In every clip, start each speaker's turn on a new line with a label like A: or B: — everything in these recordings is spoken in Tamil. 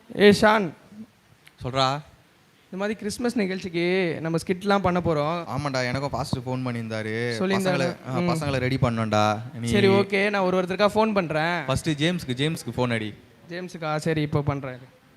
A: ஷான்,
B: சொல்கிறா.
A: இந்த மாதிரி கிறிஸ்மஸ் நிகழ்ச்சிக்கு நம்ம ஸ்கிட்லாம் பண்ண போகிறோம்.
B: ஆமாண்டா, எனக்கும் ஃபாஸ்ட்டு ஃபோன் பண்ணியிருந்தாரு.
A: சொல்லியிருந்தாரு.
B: பசங்களை ரெடி பண்ணோண்டா.
A: சரி, ஓகே, நான் ஒருத்தருக்கா ஃபோன் பண்ணுறேன்.
B: ஃபஸ்ட்டு ஜேம்ஸ்க்கு ஃபோன் அடி.
A: ஜேம்ஸுக்கா? சரி, இப்போ பண்ணுறேன்.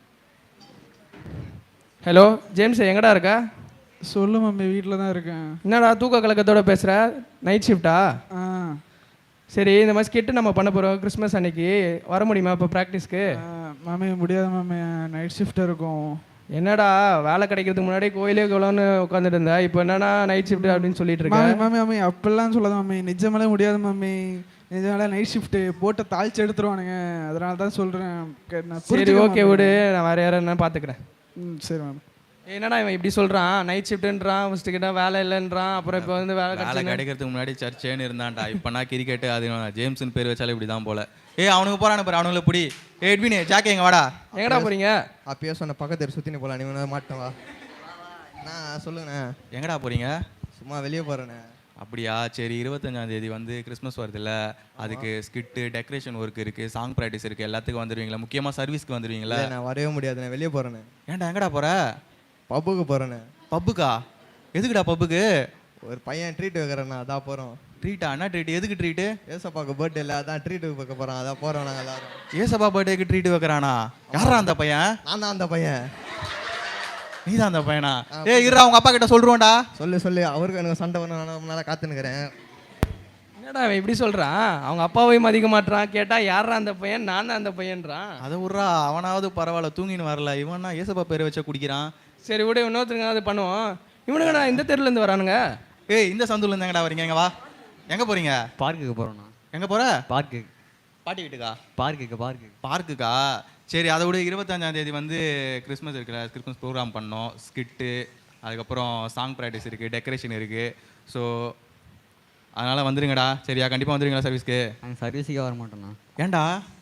A: ஹலோ ஜேம்ஸ், எங்கடா இருக்கா?
C: சொல்லு மம்மி, வீட்டில் தான் இருக்கேன்.
A: என்னடா தூக்க கலக்கத்தோட பேசுகிற? நைட் ஷிஃப்ட்டா? சரி, இந்த மாதிரி ஸ்கிட்டு நம்ம பண்ண போகிறோம் கிறிஸ்மஸ் அன்னைக்கு. வர முடியுமா இப்போ ப்ராக்டிஸ்க்கு?
C: மாமி முடியாது மாமி, நைட் ஷிஃப்ட் இருக்கும்.
A: என்னடா வேலை கிடைக்கிறதுக்கு முன்னாடி கோயிலே கோலம்னு உட்காந்துட்டு இருந்தா, இப்போ என்னன்னா நைட் ஷிஃப்ட் அப்படின்னு சொல்லிட்டு இருக்கேன்.
C: மாமி மாமி அப்படிலாம் சொல்லாத மாமி, நிஜமாலே முடியாது மாமி. நிஜமாலே நைட் ஷிஃப்ட்டு போட்டு தாளிச்சு எடுத்துருவானுங்க, அதனால தான் சொல்கிறேன்.
A: சரி, ஓகே விடு, நான் வேறு யாரும் என்ன பார்த்துக்கிறேன்.
C: சரி மேம்.
A: என்னடா இவன் இப்படி சொல்கிறான்? நைட் ஷிஃப்ட்டுன்றான், ஃபஸ்ட்டு கிட்ட வேலை இல்லைன்றான், அப்புறம் இப்போ வந்து வேலை
B: கிடைக்கிறதுக்கு முன்னாடி சர்ச்சேன்னு இருந்தான்டா. இப்போனா கிரிக்கெட்டு அது ஜேம்ஸ்னு பேர் வச்சாலே இப்படி தான் போல. அவனுக்கு போகிறானு பாரு, அவனுங்களை பிடி. எட்வினே ஜாக்கே எங்க வாடா.
A: எங்கடா போகிறீங்க?
D: அப்பயே சொன்ன பக்கத்து சுற்றினு போகலாம், நீ மாட்டேன் வா. நான் சொல்லுங்கண்ணே.
B: எங்கடா போகிறீங்க?
D: சும்மா வெளியே போகிறேண்ணே.
B: அப்படியா? சரி, 25ஆம் தேதி வந்து கிறிஸ்மஸ் வருதுல்ல, அதுக்கு ஸ்கிட்டு டெக்கரேஷன் ஒர்க் இருக்குது, சாங் ப்ராக்டிஸ் இருக்குது, எல்லாத்துக்கும் வந்துடுவீங்களா? முக்கியமாக சர்வீஸ்க்கு வந்துடுவீங்களா?
D: நான் வரவே முடியாதுண்ணே, வெளியே போகிறேண்ணே.
B: ஏன்டா எங்கடா போகிற?
D: பப்புக்கு போகிறேண்ணே.
B: பப்புக்கா? எதுக்குடா பப்புக்கு?
D: ஒரு பையன் ட்ரீட் வைக்கிறேண்ணா, அதான் போகிறோம்.
B: ட்ரீட்டா? என்ன ட்ரீட்? எதுக்கு ட்ரீட்டு?
D: ஏசப்பாக்கு பர்த்டே இல்லை, அதான் ட்ரீட்டு வைக்க போகிறோம், அதான் போகிறோம் நாங்கள் எல்லாரும்.
B: ஏசப்பா பர்த்டேக்கு ட்ரீட் வைக்கிறானா? யாரா அந்த பையன்?
D: நான் தான் அந்த பையன்.
B: நீ தான் அந்த பையனா? இருடா, அவங்க அப்பா கிட்ட சொல்லுவோம்டா.
D: சொல்லு, அவருக்கு எனக்கு சண்டை பண்ண நல்லா காத்துனுக்கிறேன்.
A: என்னடா அவன் இப்படி சொல்கிறான்? அவங்க அப்பாவையும் மதிக்க மாட்டான். கேட்டால் யாரா அந்த பையன்? நான் தான் அந்த பையன்றான்.
B: அதை விட்றா, அவனாவது பரவாயில்ல, தூங்கின்னு வரல. இவனா ஏசப்பா பேரை வச்சா குடிக்கிறான்.
A: சரி விட, இன்னொருத்தருங்க அது பண்ணுவோம். இவனுங்கண்ணா இந்த தெருலேருந்து வரானுங்க.
B: இந்த சந்துலேருந்து எங்கடா வரீங்க? எங்க வா. எங்கே போகிறீங்க?
E: பார்க்குக்கு போகிறோண்ணா.
B: எங்கே போகிற?
E: பார்க்கு.
B: பாட்டி வீட்டுக்கா?
E: பார்க்குக்கா?
B: சரி, அதை விட 25ஆம் தேதி வந்து கிறிஸ்மஸ் இருக்குல்ல, கிறிஸ்மஸ் ப்ரோக்ராம் பண்ணோம். ஸ்கிட்டு, அதுக்கப்புறம் சாங் ப்ராக்டிஸ் இருக்குது, டெக்கரேஷன் இருக்குது. ஸோ அதனால் வந்துடுங்கடா. சரியா? கண்டிப்பாக வந்துடுங்களா சர்வீஸ்க்கு?
E: நாங்கள் சர்வீஸுக்கே வர மாட்டோண்ணா.
B: ஏன்டா?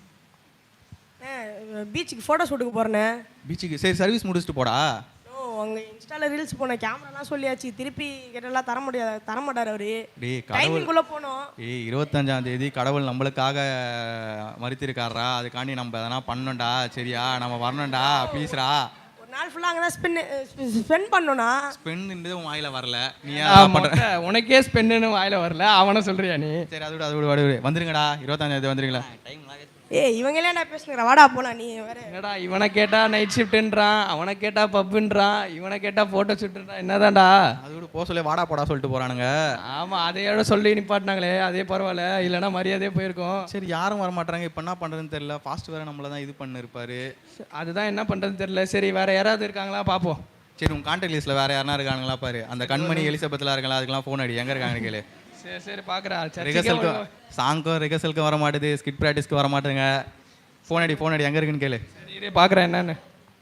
F: பீச்சுக்கு ஃபோட்டோ ஷூட்டுக்கு போகிறேண்ணே.
B: பீச்சுக்கு? சரி, சர்வீஸ் முடிச்சுட்டு போடா.
F: அங்கே இன்ஸ்டாவில் ரீல்ஸ் போனேன், கேமராலாம் சொல்லியாச்சு, திருப்பி கேட்டெல்லாம் தர மாட்டார் அவரு. டைமிங்குள்ளே போனோம்.
B: 25ஆம் தேதி கடவுள் நம்மளுக்காக மறுத்திருக்காரா, அதுக்காண்டி நம்ம எதனா பண்ணோம்டா. சரியா? நம்ம வரணும்டா, ப்ளீஸ்ரா.
F: ஒரு நாள் ஃபுல்லாக அங்கே தான் ஸ்பெண்ட் பண்ணோன்னா.
B: ஸ்பெண்ட் உன் வாயில வரல, நீ
A: உனக்கே ஸ்பெண்டுன்னு வாயில வரல, அவனை சொல்றியா நீ?
B: சரி, அது விட வந்துருங்கடா. 25ஆம் தேதி வந்துருங்களா?
F: இவங்களே நான் பேசுகிறேன், வாடா போலாம். நீ வேற
A: என்னடா, இவனை கேட்டா நைட் ஷிஃப்ட்ன்றான், அவனை கேட்டா பப்புன்றான், இவனை கேட்டா போட்டோ ஷூட்ன்றான். என்னதான்டா?
B: அது விட போக சொல்லி வாடா போடா சொல்லிட்டு போறானுங்க.
A: ஆமா, அதையோட சொல்லி நிப்பாட்டினாங்களே, அதே பரவாயில்ல, இல்லைன்னா மரியாதையே போயிருக்கோம்.
B: சரி, யாரும் வர மாட்டாங்க. இப்போ என்ன பண்ணுறதுன்னு தெரியல. ஃபாஸ்ட் வேற நம்மள தான் இது பண்ணிருப்பாரு.
A: அதுதான் என்ன பண்ணுறதுன்னு தெரியல. சரி, வேற யாராவது இருக்காங்களா பார்ப்போம்.
B: சரி, உங்க கான்டாக்ட் லிஸ்ட்ல வேற யாரா இருக்கானுங்களா பாரு. அந்த கண்மணி எலிசபெத்லாம் இருக்கலாம், அதுக்கெல்லாம் ஃபோன் அடி. எங்க இருக்காங்க கேளு.
A: சரி பார்க்குறேன்.
B: ரிகர்சலுக்கு, சாங்க்கும் ரிகர்சலுக்கு வர மாட்டேது, ஸ்கிட் ப்ராக்டிஸ்க்கு வர மாட்டேங்க. ஃபோன் அடி எங்கே இருக்குன்னு கேளு.
A: சரி, பார்க்குறேன் என்னன்னு.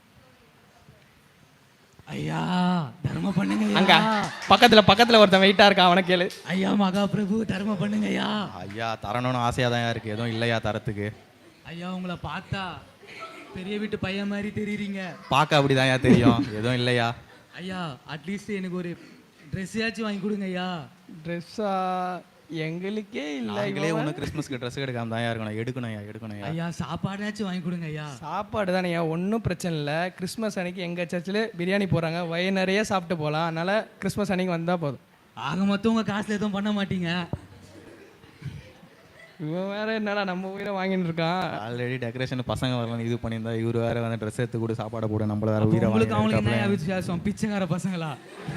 G: ஐயா தர்மம் பண்ணுங்க.
A: அங்க பக்கத்தில் ஒருத்தன் வெயிட்டாக இருக்கான், அவனை கேளு.
G: ஐயா மகா பிரபு தர்மம் பண்ணுங்க ஐயா.
B: ஐயா தரணும்னு ஆசையாக தான் இருக்கு, எதுவும் இல்லையா தரத்துக்கு.
G: ஐயா உங்களை பார்த்தா பெரிய வீட்டு பையன் மாதிரி தெரியுறீங்க.
B: பார்க்க அப்படிதான் தெரியும், எதுவும் இல்லையா.
G: ஐயா அட்லீஸ்ட் எனக்கு ஒரு ட்ரெஸ்ஸாச்சும் வாங்கி கொடுங்க ஐயா.
A: ட்ரெஸ்ஸா? எங்களுக்கே இல்லை.
B: எங்களே ஒன்றும் கிறிஸ்மஸ்க்கு ட்ரெஸ் எடுக்காம தான் இருக்கணும். எடுக்கணும்
G: ஐயா சாப்பாடாச்சும் வாங்கி கொடுங்க ஐயா.
A: சாப்பாடு தானே, ஒன்றும் பிரச்சனை இல்லை. கிறிஸ்மஸ் அன்னைக்கு எங்கள் சர்ச்சில் பிரியாணி போகிறாங்க, வயிறு நிறைய சாப்பிட்டு போகலாம். அதனால் கிறிஸ்மஸ் அன்னைக்கு வந்தால் போதும்.
G: ஆக மொத்தம் உங்கள் காசில் எதுவும் பண்ண மாட்டீங்க.
A: இவன் வேற என்னடா நம்ம உயிரை வாங்கிட்டு இருக்கான்.
B: ஆல்ரெடி டெக்கரேஷன் பசங்க வரலாம் இது பண்ணியிருந்தா, இவர் வேற வந்து ட்ரெஸ் எடுத்து கூட சாப்பாடு போட நம்மள வேற உயிரை
G: உங்களுக்கு அவங்களுக்கு என்ன வித்தியாசம்? பிச்சைக்கார பசங்களா?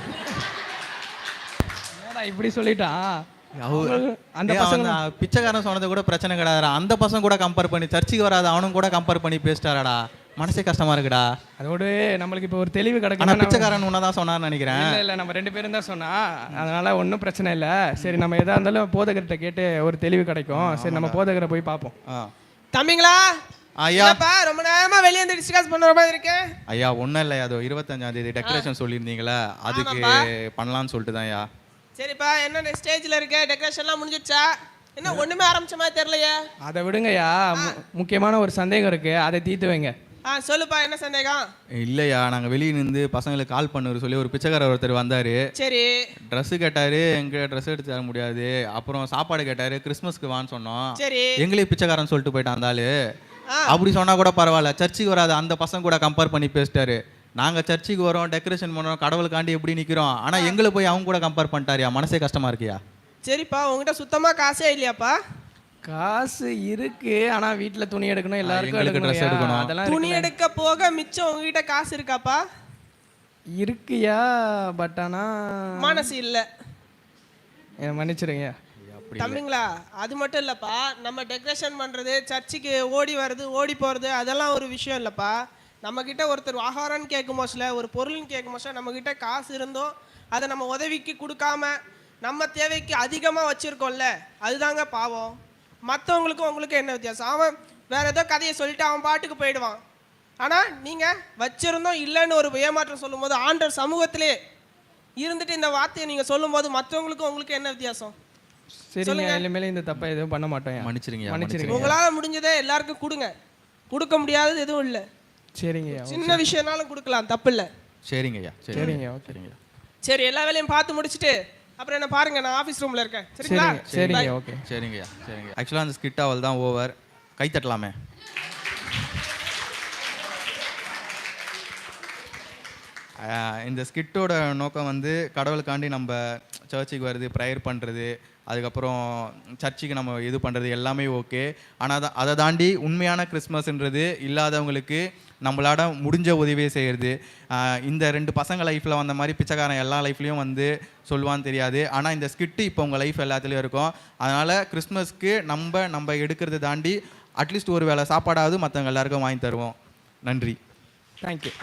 A: இப்படி சொல்லிட்டான்.
B: அந்த பசங்க பிச்சைக்காரன் சொன்னது கூட பிரச்சனை கிடையாது. அந்த பசங்க கூட கம்பேர் பண்ணி, சர்ச்சுக்கு வராது அவனும் கூட கம்பேர் பண்ணி பேசிட்டாரடா. மனசே கஷ்டமா இருக்குடா.
A: அதோடு நம்மளுக்கு இப்போ ஒரு தெளிவு கிடைக்கும்.
B: ஆனால் பிச்சைக்காரன் உன்னதான் சொன்னார்னு நினைக்கிறேன்.
A: இல்லை, நம்ம 2 பேரும் தான் சொன்னா, அதனால ஒன்றும் பிரச்சனை இல்லை. சரி, நம்ம எதா இருந்தாலும் போதகர்கிட்ட கேட்டு ஒரு தெளிவு கிடைக்கும். சரி, நம்ம போதகரை போய் பார்ப்போம்.
F: தம்பிங்களா?
B: ஐயா
F: ரொம்ப நேரமா வெளியே வந்து டிஸ்கஸ் பண்ற மாதிரி இருக்கு.
B: ஐயா ஒன்றும் இல்லை, அதோ 25ஆம் தேதி டெக்கரேஷன் சொல்லியிருந்தீங்களே, அதுக்கு பண்ணலான்னு சொல்லிட்டு தான். ஐயா
F: சரிப்பா, என்ன ஸ்டேஜ்ல இருக்க? டெக்கரேஷன்லாம் முடிஞ்சிடுச்சா? என்ன ஒண்ணுமே ஆரம்பிச்ச மாதிரி தெரியலையே.
A: அதை விடுங்கய்யா, முக்கியமான ஒரு சந்தேகம் இருக்கு, அதை தீர்த்து வைங்க.
F: சொல்லுப்பா, என்ன சந்தேகம்?
B: இல்லையா, நாங்கள் வெளியே நின்று பசங்களுக்கு கால் பண்ணுற சொல்லி ஒரு பிச்சைக்காரர் ஒருத்தர் வந்தார்.
F: சரி,
B: ட்ரெஸ்ஸு கேட்டார், எங்கள் ட்ரெஸ் எடுத்து தர முடியாது. அப்புறம் சாப்பாடு கேட்டார், கிறிஸ்மஸ்க்கு வான்னு சொன்னோம்.
F: சரி,
B: எங்களே பிச்சைக்காரன் சொல்லிட்டு போயிட்டான் அந்த ஆள். அப்படி சொன்னால் கூட பரவாயில்ல, சர்ச்சுக்கு வராத அந்த பசங்க கூட கம்பேர் பண்ணி பேசிட்டாரு. நாங்கள் சர்ச்சுக்கு வரோம், டெக்கரேஷன் பண்ணுறோம், கடவுளுக்காண்டி எப்படி நிற்கிறோம், ஆனால் எங்களை போய் அவங்க கூட கம்பேர் பண்ணிட்டாரியா, மனசே கஷ்டமாக இருக்கியா?
H: சரிப்பா, உங்ககிட்ட சுத்தமாக காசே இல்லையாப்பா?
A: காசு இருக்கு, ஆனா வீட்ல துணி எடுக்கணும், எல்லாருக்கும்
B: எங்களுக்கு dress
A: எடுக்கணும்,
B: எடுக்கணும்.
A: அதெல்லாம்
H: துணி எடுக்க போக மிச்சம் உங்ககிட்ட காசு இருக்காப்பா?
A: இருக்குயா, பட் ஆனா
H: மனசு இல்லை.
A: என்னை மன்னிச்சிருங்க.
H: தம்பிங்களா, அது மட்டும் இல்லைப்பா, நம்ம டெக்கரேஷன் பண்ணுறது, சர்ச்சுக்கு ஓடி வர்றது, ஓடி போகிறது, அதெல்லாம் ஒரு விஷயம் இல்லைப்பா. நம்மக்கிட்ட ஒருத்தர் ஆகாரம்னு கேட்கும் போதுல, ஒரு பொருள்னு கேட்கும் போதுல, நம்மக்கிட்ட காசு இருந்தோம் அதை நம்ம உதவிக்கு கொடுக்காம நம்ம தேவைக்கு அதிகமாக வச்சுருக்கோம்ல, அதுதாங்க பாவம். மற்றவங்களுக்கும் உங்களுக்கு என்ன வித்தியாசம்? அவன் வேறு ஏதோ கதையை சொல்லிட்டு அவன் பாட்டுக்கு போயிடுவான். ஆனால் நீங்கள் வச்சுருந்தோம் இல்லைன்னு ஒரு ஏமாற்றம் சொல்லும்போது, ஆண்டவர் சமூகத்திலே இருந்துட்டு இந்த வார்த்தையை நீங்கள் சொல்லும்போது மற்றவங்களுக்கும் உங்களுக்கு என்ன வித்தியாசம்?
A: சரிங்க, இனிமேல இந்த தப்பை எதுவும் பண்ண மாட்டோம்.
B: மன்னிச்சிருங்க.
H: உங்களால் முடிஞ்சதே எல்லாருக்கும் கொடுங்க, கொடுக்க முடியாதது எதுவும் இல்லை.
A: சரிங்க,
H: சின்ன விஷயம்னாலும் கொடுக்கலாம், தப்பு இல்லை.
B: சரிங்கய்யா.
A: சரிங்க, ஓகேங்க.
H: சரி, எல்லா வேலையும் பார்த்து முடிச்சுட்டு அப்புறம் என்ன பாருங்க, நான் ஆஃபீஸ் ரூமில் இருக்கேன். சரிங்களா?
A: சரிங்க, ஓகே.
B: சரிங்கய்யா. ஆக்சுவலாக அந்த ஸ்கிட் அவள் தான் ஓவர். கை தட்டலாமே. இந்த ஸ்கிட்டோட நோக்கம் வந்து கடவுளுக்காண்டி நம்ம சர்ச்சுக்கு வருது, ப்ரேயர் பண்ணுறது, அதுக்கப்புறம் சர்ச்சுக்கு நம்ம இது பண்ணுறது எல்லாமே ஓகே. ஆனால் அதை தாண்டி உண்மையான கிறிஸ்மஸ்ன்றது இல்லாதவங்களுக்கு நம்மளாட முடிஞ்ச உதவியை செய்கிறது. இந்த 2 பசங்க லைஃப்பில் வந்த மாதிரி பிச்சைக்காரன் எல்லா லைஃப்லேயும் வந்து சொல்லுவான்னு தெரியாது. ஆனால் இந்த ஸ்கிட்டு இப்போ உங்கள் லைஃப் எல்லாத்துலேயும் இருக்கும். அதனால் கிறிஸ்மஸ்க்கு நம்ம எடுக்கிறத தாண்டி அட்லீஸ்ட் ஒரு வேளை சாப்பாடாவது மற்றவங்க எல்லாருக்கும் வாங்கி தருவோம். நன்றி.
A: தேங்க்யூ.